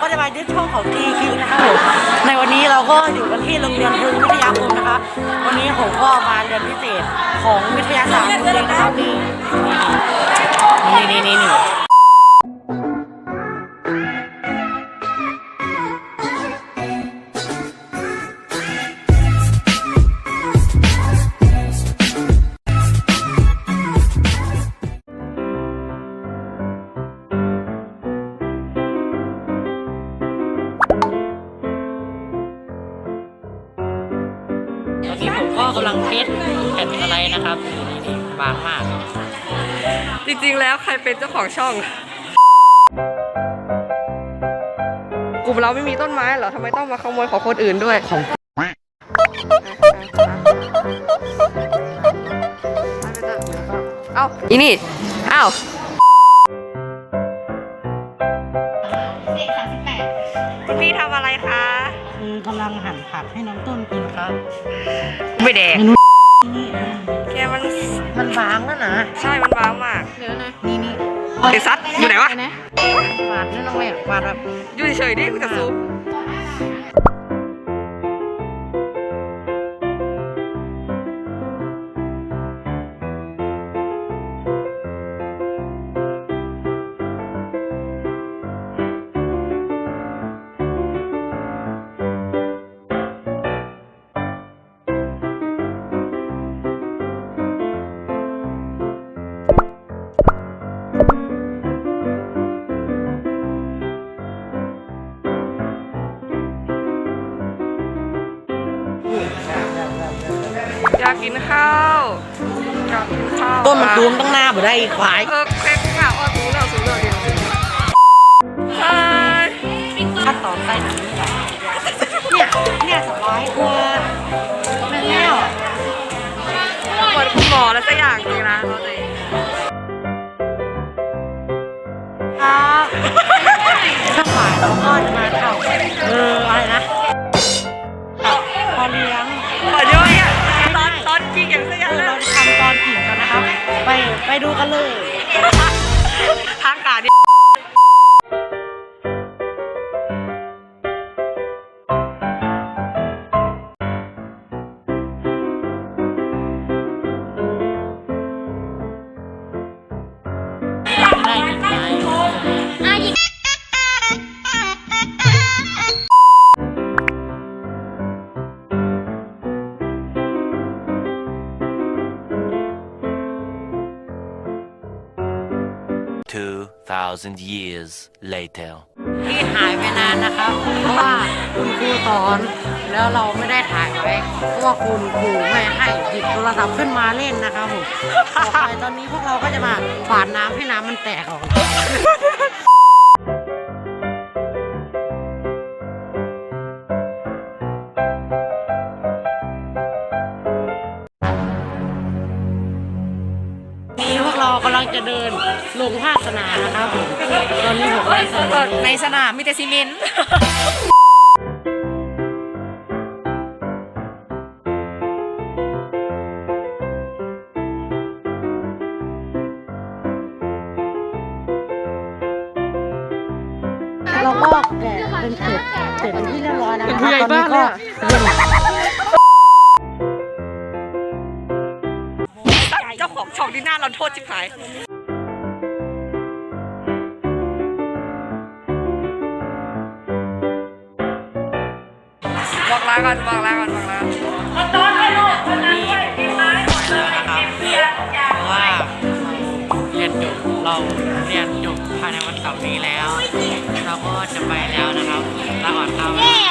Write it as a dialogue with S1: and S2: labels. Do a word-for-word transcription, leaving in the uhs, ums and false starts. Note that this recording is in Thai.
S1: ก็จะมายึดช่องของทีคิวนะครับผมในวันนี้เราก็อยู่กันที่โรงเรียนพึงวิทยาคมนะคะวันนี้ผมก็มาเรียนพิเศษของวิทยาศาสตร์โรงเรียนนะครับนี่นี่นี่นี่นี่ตอนนี้ผมก็กำลังเทสแผ่นอะไรนะครับนี่บางมาก
S2: จริงๆแล้วใครเป็นเจ้าของช่องกลุ่มเราไม่มีต้นไม้เหรอทำไมต้องมาขโมยของคนอื่นด้วยของเอ้าอีนี่เอ้าคุณพี่ทำอะไรคะ
S1: คือกำลังหั่นผักให้น้องต้นกินครับ
S2: ไม่แดง
S1: นี่
S2: แกมัน
S1: มันบางแล้วนะ
S2: ใช่มันบางมาก
S1: เดี๋ยวนะนี่นี่
S2: ไอ้ซัดอยู่ไหนวะ
S1: ปาดนี่น้องแม่ปาดแบบ
S2: อยู่เฉยๆดิกูจะซูมอยากกินข้าวอยากกินข้าว
S1: ต้นมันตูมตั้งหน้าบ่ได้ควาย
S2: เออแค่ข้าวอ้อสูงแล้วสูงแล้วเดียวใช่
S1: ขั้นตอนใส่หนังนี่แหละเนี่ยเนี่ยสบายกว่าแม่แล้ว
S2: เหมือนคุณหมอแล้วสักอย่างจริงนะเราเลย
S1: ครับถ้าฝ่ายเราก็จะมาทำเอออะไรนะพอเลี้ยง
S2: พอด้วยอ่ะตอนตอนกิ่งอย่างสักอย่าง
S1: เราจะทำตอนกิ่งกันนะครับไปไปดูกันเลย
S2: ทางการ
S1: ได้ยินไหมอ่ะยิง
S3: two thousand years later
S1: ที่หายไปนานนะครับเพราะว่าคุณครูสอนแล้วเราไม่ได้ถ่ายไว้เพราะว่าคุณครูไม่ให้หยิบโทรศัพท์ขึ้นมาเล่นนะครับผมต่อไปตอนนี้พวกเราก็จะมาฝาดน้ำให้น้ำมันแตกออกเรากำลังจะเดินลงภาคสนามนะครับผมตอนนี้ผม
S2: ในสนามมีแต่ซีเมนต์
S1: เราก็แกะเป็นเสร็จเสร็จเป็นที่เรียบร้อยแล้วนะครับตอนนี้ก็
S2: เจ้าของช่องที่หน้าเราโทษจิ๋หายบอกลาก่อนบอกลาก่อนบอกลา
S1: วันนี้นะครับเพราะว่าเรียนจบเราเรียนจบภายในวันเสาร์นี้แล้วเราก็จะไปแล้วนะครับลาก่อนครับ